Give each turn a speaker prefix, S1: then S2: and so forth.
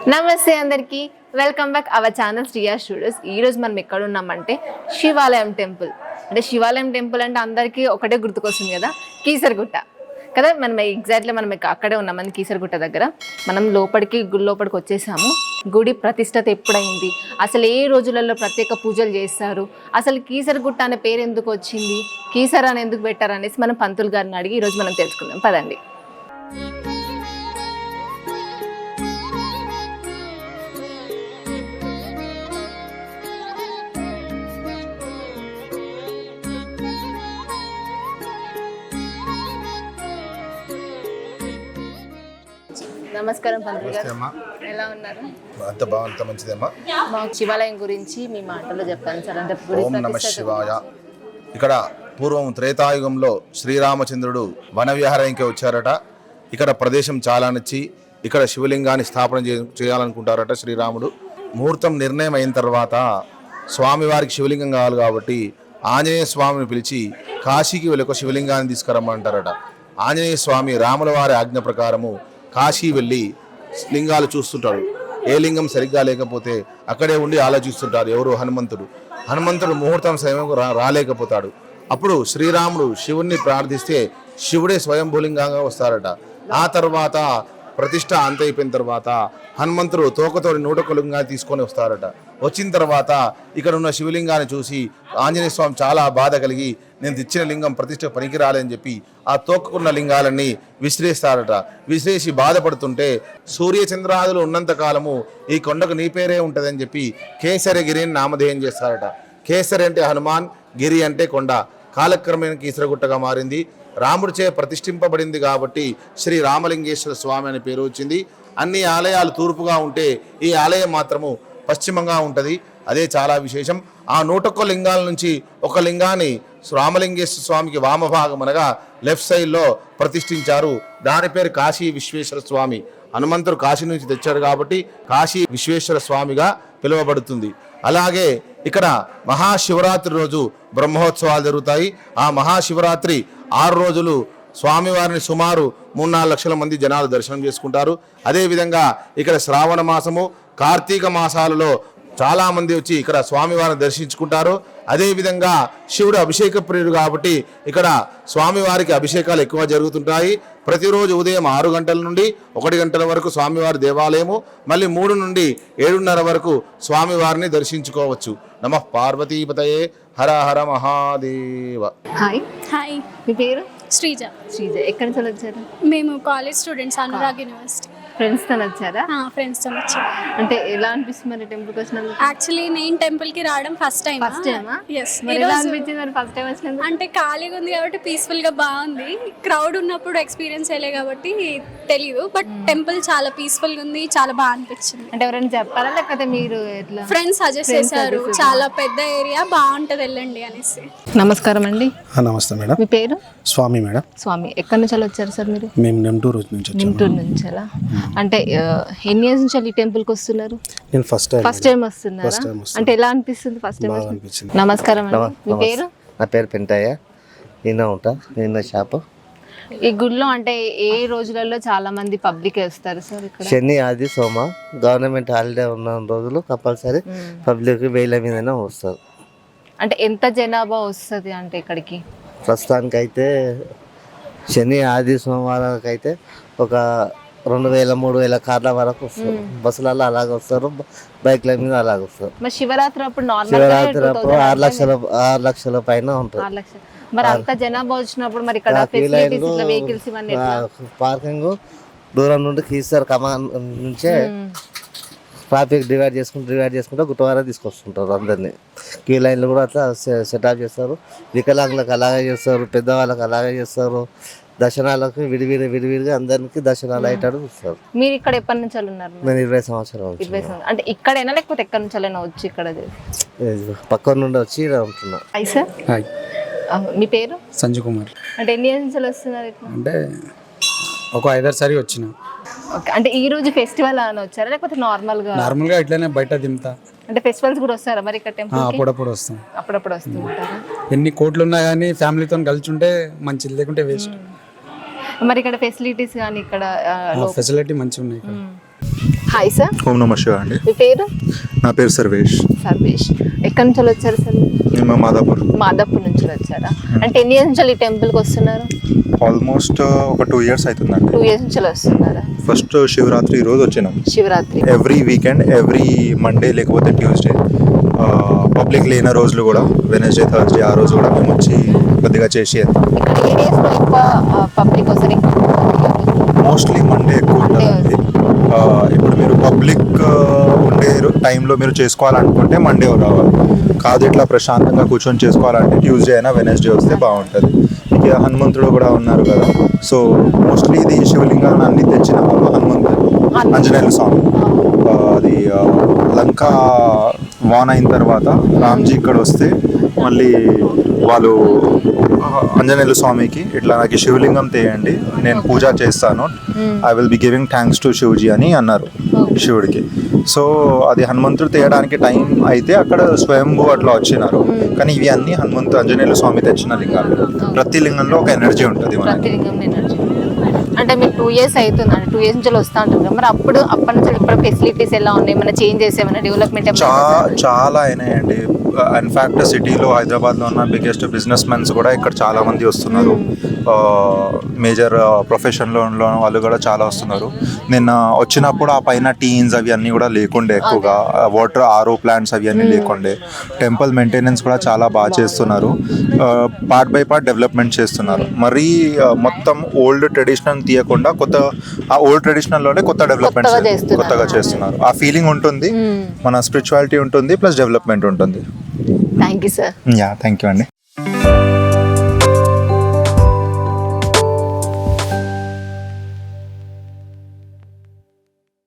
S1: నమస్తే అందరికి welcome back our channel Shriya studios. ఈ రోజు మనం ఎక్కడ ఉన్నామంటే శివాలయం టెంపుల్. అంటే శివాలయం టెంపుల్ అంటే అందరికీ ఒకటే గుర్తుకొస్తుంది కదా, కీసరగుట్ట కదా. మనం ఎగ్జాక్ట్లీ మనం అక్కడే ఉన్నాం కీసరగుట్ట దగ్గర. మనం గుడి లోపలికి వచ్చేసాము. గుడి ప్రతిష్టత ఎప్పుడైంది, అసలు ఏ రోజులలో ప్రత్యేక పూజలు చేస్తారు, అసలు కీసరగుట్ట అనే పేరు ఎందుకు వచ్చింది, కీసర అని ఎందుకు పెట్టారు అనేసి మనం పంతులు గారిని అడిగి ఈరోజు మనం తెలుసుకుందాం. పదండి. నమస్కారం పంతులు గారు, ఎలా ఉన్నారు?
S2: అంత బాగుంది, మంచిదేమ్మా.
S1: మా శివాలయం గురించి మీ మాటలో చెప్పండి సార్. అంటే
S2: ఓం నమ శివాయ. ఇక్కడ పూర్వం త్రేతాయుగంలో శ్రీరామచంద్రుడు వన విహారానికి వచ్చారట. ఇక్కడ ప్రదేశం చాలా నచ్చి ఇక్కడ శివలింగాన్ని స్థాపన చేయాలనుకుంటారట శ్రీరాముడు. ముహూర్తం నిర్ణయం అయిన తర్వాత స్వామివారికి శివలింగం కావాలి కాబట్టి ఆంజనేయ స్వామిని పిలిచి కాశీకి వెళ్ళి ఒక శివలింగాన్ని తీసుకురమ్మంటారట. ఆంజనేయ స్వామి రాముల వారి ఆజ్ఞ ప్రకారము కాశీ వెళ్ళి లింగాలు చూస్తుంటాడు. ఏ లింగం సరిగ్గా లేకపోతే అక్కడే ఉండి ఆలోచిస్తుంటారు ఎవరు హనుమంతుడు ముహూర్తం సమయం రాలేకపోతాడు. అప్పుడు శ్రీరాముడు శివుణ్ణి ప్రార్థిస్తే శివుడే స్వయంభూలింగంగా వస్తారట. ఆ తర్వాత ప్రతిష్ట అంత అయిపోయిన తర్వాత హనుమంతుడు తోకతోడి 101 లింగాన్ని తీసుకొని వస్తారట. వచ్చిన తర్వాత ఇక్కడ ఉన్న శివలింగాన్ని చూసి ఆంజనేయ స్వామి చాలా బాధ కలిగి నేను తెచ్చిన లింగం ప్రతిష్ట పనికి రాలేని చెప్పి ఆ తోక్కున్న లింగాలన్నీ విసిరేస్తారట. విసిరేసి బాధపడుతుంటే సూర్యచంద్రాదులు ఉన్నంత కాలము ఈ కొండకు నీ పేరే ఉంటుందని చెప్పి కేసరగిరిని నామధేయం చేస్తారట. కేసరి అంటే హనుమాన్, గిరి అంటే కొండ. కాలక్రమేణా కీసరగుట్టగా మారింది. రాముడిచే ప్రతిష్ఠింపబడింది కాబట్టి శ్రీ రామలింగేశ్వర స్వామి అనే పేరు వచ్చింది. అన్ని ఆలయాలు తూర్పుగా ఉంటే ఈ ఆలయం మాత్రము పశ్చిమంగా ఉంటుంది. అదే చాలా విశేషం. ఆ 101 లింగాల నుంచి ఒక లింగాన్ని రామలింగేశ్వర స్వామికి వామభాగం అనగా లెఫ్ట్ సైడ్లో ప్రతిష్ఠించారు. దాని పేరు కాశీ విశ్వేశ్వర స్వామి. హనుమంతుడు కాశీ నుంచి తెచ్చాడు కాబట్టి కాశీ విశ్వేశ్వర స్వామిగా పిలువబడుతుంది. అలాగే ఇక్కడ మహాశివరాత్రి రోజు బ్రహ్మోత్సవాలు జరుగుతాయి. ఆ మహాశివరాత్రి 6 రోజులు స్వామివారిని సుమారు 3-4 లక్షల మంది జనాలు దర్శనం చేసుకుంటారు. అదేవిధంగా ఇక్కడ శ్రావణ మాసము, కార్తీక మాసాలలో చాలామంది వచ్చి ఇక్కడ స్వామివారిని దర్శించుకుంటారు. అదేవిధంగా శివుడు అభిషేక ప్రియుడు కాబట్టి ఇక్కడ స్వామివారికి అభిషేకాలు ఎక్కువ జరుగుతుంటాయి. ప్రతిరోజు ఉదయం 6 గంటల నుండి 1 గంటల వరకు స్వామివారి దేవాలయము, మళ్ళీ 3 నుండి 7:30 వరకు స్వామివారిని దర్శించుకోవచ్చు. నమః పార్వతీపతయే, హర హర మహాదేవ.
S1: హాయ్.
S3: హాయ్,
S1: మీ పేరు?
S3: శ్రీజ.
S1: ఎక్కడి నుంచి వచ్చారు?
S3: మేము కాలేజ్ స్టూడెంట్స్, అనురాగ్ యూనివర్సిటీ.
S1: ఫ్రెండ్స్తో వచ్చారా?
S3: ఫ్రెండ్స్తో వచ్చాం.
S1: అంటే ఎలా అనిపిస్తుంది మరి టెంపుల్కి వచ్చినందుకు?
S3: యాక్చువల్లీ నేను టెంపుల్కి రావడం ఫస్ట్ టైం. ఎస్.
S1: ఎలా అనిపించింది మరి ఫస్ట్ టైం వచ్చినందుకు?
S3: అంటే ఖాళీగా ఉంది కాబట్టి పీస్ఫుల్గా బాగుంది. క్రౌడ్ ఉన్నప్పుడు ఎక్స్పీరియన్స్ అయ్యలే కాబట్టి తెలియదు, బట్ టెంపుల్ చాలా పీస్ఫుల్గా ఉంది, చాలా బాగా అనిపించింది.
S1: అంటే ఎవరైనా చెప్పారా లేకపోతే మీరు ఎట్లా?
S3: ఫ్రెండ్స్ సజెస్ట్ చేశారు, చాలా పెద్ద ఏరియా, బాగుంటుంది, వెళ్ళండి అనేసి.
S1: నమస్కారం అండి.
S4: నమస్తే మేడం.
S1: మీ పేరు?
S4: స్వామి మేడం.
S1: స్వామి, ఎక్కడి నుంచి వచ్చారు సార్ మీరు?
S4: మేము నెమ్టూరు నుంచి వచ్చాము.
S1: నిమ్టూరు నుంచి. అంటే ఎన్ని ఇయర్స్ నుంచి ఈ టెంపుల్కి వస్తున్నారు?
S4: నేను ఫస్ట్
S1: టైం వస్తున్నారా? అంటే ఎలా అనిపిస్తుంది ఫస్ట్ టైం?
S4: అనిపించింది.
S1: నమస్కారం అండి. మీ పేరు?
S5: నా పేరు పెంటయ్య. నిన్న షాపు.
S1: ఈ గుడిలో అంటే ఏ రోజులలో చాలా మంది పబ్లిక్ వస్తారు సార్ ఇక్కడ?
S5: శని, ఆది, సోమ గవర్నమెంట్ హాలిడే ఉన్న రోజులు కంపల్సరీ పబ్లిక్ 1000 మీదనే వస్తారు.
S1: అంటే ఎంత జనాభా వస్తుంది అంటే ఇక్కడికి?
S5: ప్రస్తుతానికైతే శని, ఆది, సోమవారానికి అయితే ఒక 2000-3000 కార్ల వరకు వస్తారు. బస్సులలో అలాగ వస్తారు, బైక్ల మీద అలాగ వస్తారు.
S1: మరి శివరాత్రి అప్పుడు
S5: శివరాత్రి అప్పుడు 6 లక్షల పైన ఉంటుంది.
S1: మరి అంత జనాభా వచ్చినప్పుడు మరి ఇక్కడ ఫెసిలిటీస్ ఇట్లా వెహికల్స్ ఇవన్నీ
S5: పార్కింగ్ దూరం నుండి కీసర్ కమాన్ నుంచే ట్రాఫిక్ డివైడ్ చేసుకుంటూ గుట్టవారా తీసుకొస్తుంటారు అందరినీ. క్యూ లైన్లు కూడా అట్లా సెటప్ చేస్తారు. వికలాంగులకు అలాగే చేస్తారు, పెద్దవాళ్ళకి అలాగే చేస్తారు. దర్శనాలకు విడివిడిగా అందరికి దర్శనాలు అయ్యేటట్టు చూస్తారు.
S1: మీరు ఇక్కడ ఎప్పటి నుంచి ఉన్నారు?
S5: నేను 20 సంవత్సరాలు.
S1: 20 సంవత్సరాలు. అంటే ఇక్కడైనా లేకపోతే ఎక్కడి నుంచి వచ్చి ఇక్కడ
S5: పక్క నుండి వచ్చి ఉంటున్నా.
S1: సార్.
S4: హాయ్.
S1: మీ పేరు?
S4: సంజయ్ కుమార్.
S1: అంటే ఎన్ని ఇయర్స్ నుంచి వస్తున్నారు?
S4: అంటే ఒక 5 సారి వచ్చిన.
S1: ఓకే. అంటే ఈ రోజు ఫెస్టివల్ అని వచ్చారా లేకపోతే నార్మల్గా
S4: ఇట్లానే బయట దింపుతా?
S1: అంటే ఫెస్టివల్స్ కూడా వస్తారా మరి ఇక్కడ టెంపుల్?
S4: అప్పుడప్పుడు వస్తాం.
S1: అప్పుడప్పుడు వస్తుంటారా?
S4: ఎన్ని కోట్లు ఉన్నా కానీ ఫ్యామిలీతో కలిసి ఉంటే మంచిది, లేకుంటే వేస్ట్.
S1: మరి ఇక్కడ ఫెసిలిటీస్ కానీ ఇక్కడ
S4: ఫెసిలిటీ మంచిగా ఉన్నాయి ఇక్కడ.
S1: హాయ్ సార్,
S6: ఓం నమ శివాయ అండి.
S1: మీ పేరు?
S6: నా పేరు సర్వేష్.
S1: సర్వేష్. ఎక్కడి నుంచి వచ్చారు సార్?
S6: నేను మాదాపూర్.
S1: మాదాపూర్ నుంచి వచ్చారా? అంటే ఎన్ని ఇయర్స్ నుంచి ఈ టెంపుల్కి వస్తున్నారు?
S6: ఆల్మోస్ట్ ఒక 2 years అవుతుందండి.
S1: 2 years నుంచి వస్తున్నారా?
S6: ఫస్ట్ శివరాత్రి రోజు వచ్చినాం.
S1: Shivaratri
S6: every weekend, every Monday లేకపోతే ట్యూస్డే, పబ్లిక్ లేని రోజులు కూడా వెనస్డే, థర్స్డే ఆ రోజు కూడా మేము వచ్చి కొద్దిగా చేసి
S1: ఇక్కడ ఏ డేస్లో ఎక్కువ పబ్లిక్ వస్తారు?
S6: మోస్ట్లీ మండే ఎక్కువ ఉంటుందండి. ఇప్పుడు మీరు పబ్లిక్ ఉండే టైంలో మీరు చేసుకోవాలనుకుంటే మండే రావాలి. కాదు ఇట్లా ప్రశాంతంగా కూర్చొని చేసుకోవాలంటే ట్యూస్డే అయినా వెనస్డే వస్తే బాగుంటుంది. ఇక హనుమంతుడు కూడా ఉన్నారు కదా, సో మోస్ట్లీ ఇది శివలింగాన్ని అన్ని తెచ్చిన వాళ్ళు హనుమంతుడు, ఆంజనేయుల స్వామి. అది లంకా వాన్ అయిన తర్వాత రామ్జీ ఇక్కడ వస్తే మళ్ళీ వాళ్ళు ఆంజనేయుల స్వామికి ఇట్లా నాకు శివలింగం తేయండి, నేను పూజ చేస్తాను, I will be giving thanks to Shivji అని అన్నారు శివుడికి. సో అది హనుమంతుడు తేయడానికి టైం అయితే అక్కడ స్వయంభూ అట్లా వచ్చినారు. కానీ ఇవి అన్ని ఆంజనేయుల స్వామి తెచ్చిన లింగాలు. ప్రతి లింగంలో ఒక ఎనర్జీ ఉంటుంది మనకి.
S1: ప్రతి లింగం ఎనర్జీ. అంటే మీకు 2 years అవుతుంది అంటే 2 years నుంచి వస్తూ ఉంటారు కదా, మరి అప్పటి నుంచి ఇప్పుడు ఫెసిలిటీస్ ఎలా ఉన్నాయి, ఏమైనా చేంజెస్, ఏమైనా డెవలప్మెంట్
S6: చాలా అయినాయండి. ఇన్ఫ్యాక్ట్ సిటీలో, హైదరాబాద్లో ఉన్న బిగ్గెస్ట్ బిజినెస్ మెన్స్ కూడా ఇక్కడ చాలా మంది వస్తున్నారు. మేజర్ ప్రొఫెషన్లో ఉన్న వాళ్ళు కూడా చాలా వస్తున్నారు. నిన్న వచ్చినప్పుడు ఆ పైన టీన్స్ అవి అన్నీ కూడా లేకుండే, ఎక్కువగా వాటర్ ఆర్ఓ ప్లాంట్స్ అవి అన్నీ లేకుండే. టెంపుల్ మెయింటెనెన్స్ కూడా చాలా బాగా చేస్తున్నారు. పార్ట్ బై పార్ట్ డెవలప్మెంట్ చేస్తున్నారు. మరీ మొత్తం ఓల్డ్ ట్రెడిషనల్ తీయకుండా ఆ ఓల్డ్ ట్రెడిషనల్లోనే కొత్త డెవలప్మెంట్ కొత్తగా చేస్తున్నారు. ఆ ఫీలింగ్ ఉంటుంది, మన స్పిరిచువాలిటీ ఉంటుంది, ప్లస్ డెవలప్మెంట్ ఉంటుంది.
S1: Thank you sir.
S6: Yeah, thank you అండి.